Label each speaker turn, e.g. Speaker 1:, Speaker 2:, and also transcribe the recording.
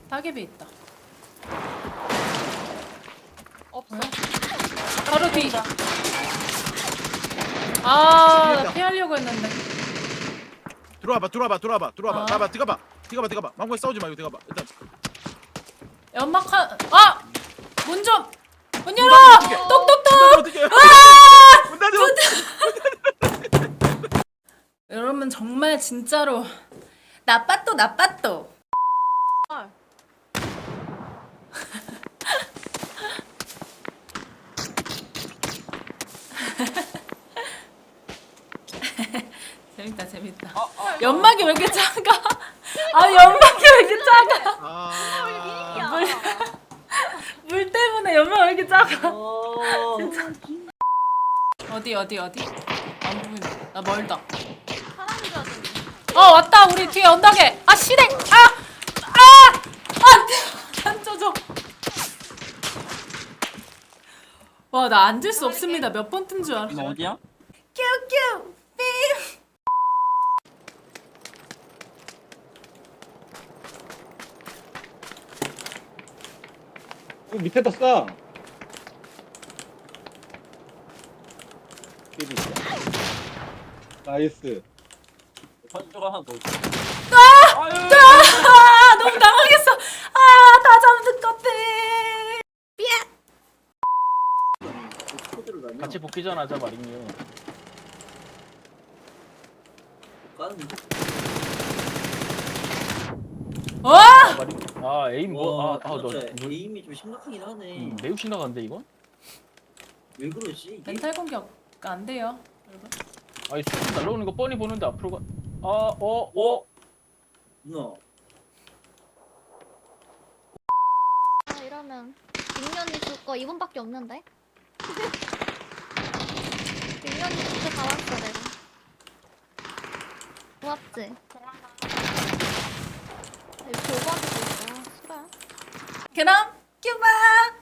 Speaker 1: 따개비 있다.
Speaker 2: 없어.
Speaker 1: 바로 뒤. 아, 나
Speaker 3: 죽겠다.
Speaker 1: 피하려고 했는데.
Speaker 3: 들어와봐.
Speaker 1: 아.
Speaker 3: 나봐. 들어가봐. 망고에 싸우지 말고 들어가봐. 일단
Speaker 1: 연막한. 아! 문 좀. 문 열어.
Speaker 3: 어떡해.
Speaker 1: 똑똑똑.
Speaker 3: 어떻게?
Speaker 1: 아!
Speaker 3: 문 닫아.
Speaker 1: 여러분 정말 진짜로 나빠또.
Speaker 2: 아,
Speaker 1: 재밌다. 연막이 왜 이렇게 작아? 아, 연막이 왜 이렇게 작아?
Speaker 3: 아.
Speaker 1: 물 때문에 연막 왜 이렇게 작아?
Speaker 4: 어.
Speaker 1: 어디? 안 보인다. 나 멀다.
Speaker 2: 사람이 줘야 되는데.
Speaker 1: 왔다. 우리 뒤에 언덕에. 아, 실행. 안 쪄져. 와, 나 앉을 수 없습니다. 몇 번 뜬 줄 알아.
Speaker 4: 너 어디야?
Speaker 1: 큐큐 삐.
Speaker 5: 밑에다 싸. 나이스.
Speaker 4: 선조가 하나 더 있어.
Speaker 1: 너무 당황했어. 다 잠든 것들.
Speaker 4: 같이 복귀전 하자 마린이요.
Speaker 1: 와!
Speaker 4: 마린. 아 에임 뭐? 너
Speaker 6: 에임이 좀 심각하긴 하네.
Speaker 4: 매우 심각한데 이건?
Speaker 6: 왜 그러지? 이게?
Speaker 1: 멘탈 공격 안 돼요, 여러분.
Speaker 4: 아이 수준 날라오는 거 뻔히 보는데 앞으로 가.
Speaker 6: 누나.
Speaker 2: 이러면 빅년이 줄 거 2분밖에 없는데? 빅년이 진짜 다 왔어 내가. 고맙지? 이거 교과도 있어. 싫어?
Speaker 1: 그럼 큐바.